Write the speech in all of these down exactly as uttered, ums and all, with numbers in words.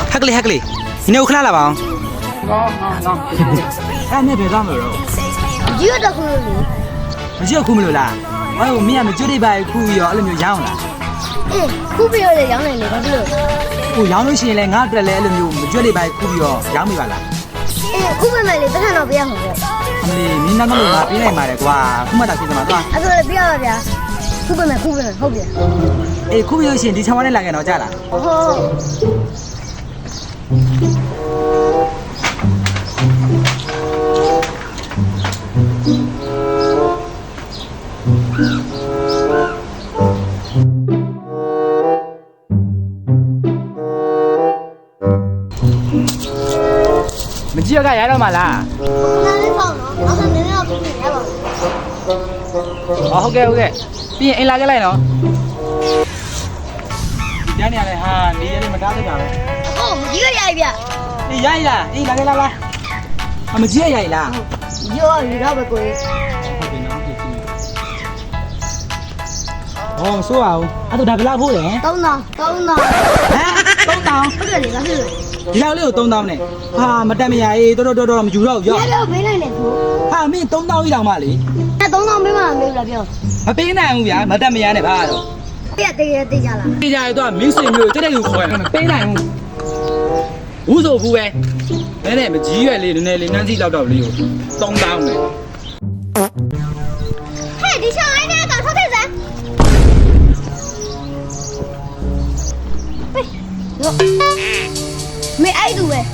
ကလေးဟက်ကလေးဒီနေ့ခလာလာပါအောင်ကောင်းကောင်းကောင်းအဲ့နဲ့ဘယ်သွားမလို့ဒီရတော့ခုလို့မရှိခုမလို့လားဟောမင်းကမကျွတ်တိပါခုရောအဲ့လိုမျိုးရောင်းလားအေးခုပြရလေရောင်းနေလေဘာဖြစ်လို့ခုရောင်းလို့ရှိရင်လည်းငါအတွက်လည်းအဲ့လိုမျိုးမကျွတ်တိပါခုပြီးတော့ရောင်းမိပါလားအေးခုပဲမယ်လေပတ်ထန်တော့ပြရမှာပေါ့အမလေးမင်းနောက်တော့ငါပြေးနိုင်ပါတယ်ကွာခုမှတာဖြစ်မှာသွားအဲ့ဒါလည်းပြရပါဗျာခုပဲမယ်ခုပဲမယ်ဟုတ်ပြီအေးခုပြီးလို့ရှိရင်ဒီချောင်းဝါးနဲ့လာခဲ့တော့ကြာလားဟုတ်မကြည့်ရကရတော့မှလားနားလေးပေါ့နော်နောက်ထပ်နည်းနည်းတော့ပြင်ရပါဘူးဟောဟုတ်ကဲ့ဟုတ်ကဲ့ပြီးရင်အိမ်လာခဲ့လိုက်နော်ညနေရလဲဟာနေရလေးမတားတတ်တာပဲဟုတ်ဒီရရပြီဗျအေးရိုက်လားအေးလာခဲ့လာလားအမကြည့်ရရိုက်လားရောရတော့ပဲကိုယ်ဟောမဆိုးအောင်အဲ့တော့ဒါဘယ်လောက်ဖို့လဲဟမ်သုံးတောင်းသုံးတောင်းသုံးတောင်းဟုတ်တယ်လေဘာဖြစ်လို့ဒီလောက်လေးကိုသုံးတောင်းနဲ့ဟာမတက်မရအေးတော်တော်တော်မယူတော့ဘူးလဲရောရတော့ဘေးလိုက်နေသူဟာမင်းသုံးတောင်းကြီးတောင်မှလေအဲ့သုံးတောင်းပေးမှမေးဘူးလားပြောမပေးနိုင်ဘူးဗျာမတက်မရနဲ့ဘာတော့ပြက်တကယ်တေးကြလားပေးကြရတော့မင်းစင်မျိုးတက်တဲ့လူခေါ်ရမပေးနိုင်ဘူးဘူးဆိုဘူးပဲနဲနဲ့မကြီးရွယ်လေးနည်းနည်းလေးနှမ်းစီလောက်တော့လေးကိုသုံးတောင်းနဲ့ဟဲ့ဒီချောင်းအိုင်းနဲ့ကောင်ထောက်ခဲ့စမ်းမေအဲ့တူပဲ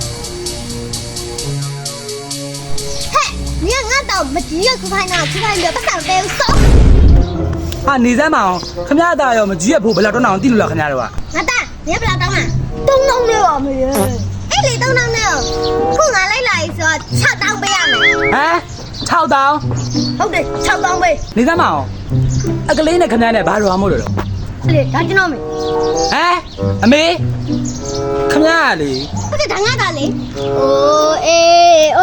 ဟဲ့你看俺到没几个出牌呢，出牌了不上来少。 ဟာနေစမ်းမအောင်ခမရတာရောမကြီးရဖို့ဘယ်လောက်တော့အောင်တိလို့လားခမရတော့က俺蛋，你也不知道当啊？东东的哦，没有。哎，你东东的哦，不俺来来说炒当杯啊没？ ဟမ်၆တောင်း好的，炒当杯。 နေစမ်းမအောင်အကလေးနဲ့ခမရနဲ့ဘာလို့အောင်မို့လို့对，他知道没？ ဟမ်အမေခမရလေ不是他俺打的。哦哎哦。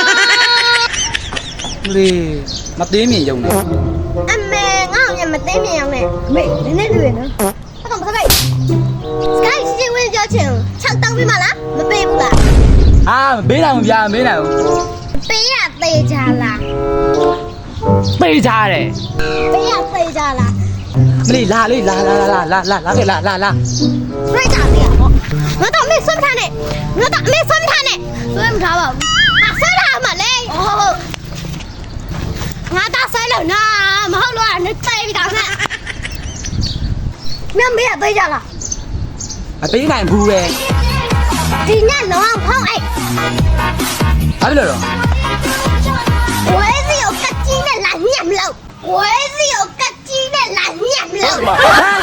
လေမသေးမြင်ရုံနဲ့အမေငါ့ကိုညမသိမြင်အောင်နဲ့အမေနည်းနည်းတွေ့နော်ဘာတော့မဆက်လိုက်စကိုင်းစီဝင်ကြောချင်၆တောင်းပေးမလားမပေးဘူးလားအာမပေးနိုင်ဘူးဗျာမပေးနိုင်ဘူးပေးရသေးကြလားပေးကြတယ်ပေးရသေးကြလားမလေးလာလေးလာလာလာလာလာလာခဲ့လာလာလာပြိတ္တာလေးပေါ့ငါတော့အမေဆွမ်းမထားနဲ့ငါတော့အမေဆွမ်းမထားနဲ့ဆွမ်းမထားပါဘူးအဆွမ်းထားမှာလေဟုတ်ဟုတ်ငါတော့ဆွမ်းလို့နာမဟုတ်လို့နဲ့တိုင်ပြီးတော့နဲ့မင်းမေးရသေးကြလားမပေးနိုင်ဘူးပဲဒီညလုံးအောင်ဖောင်းအိတ်ဘာဖြစ်လို့တော့我是有个鸡的蓝面肉，我是有个鸡的蓝面肉。 ဟမ်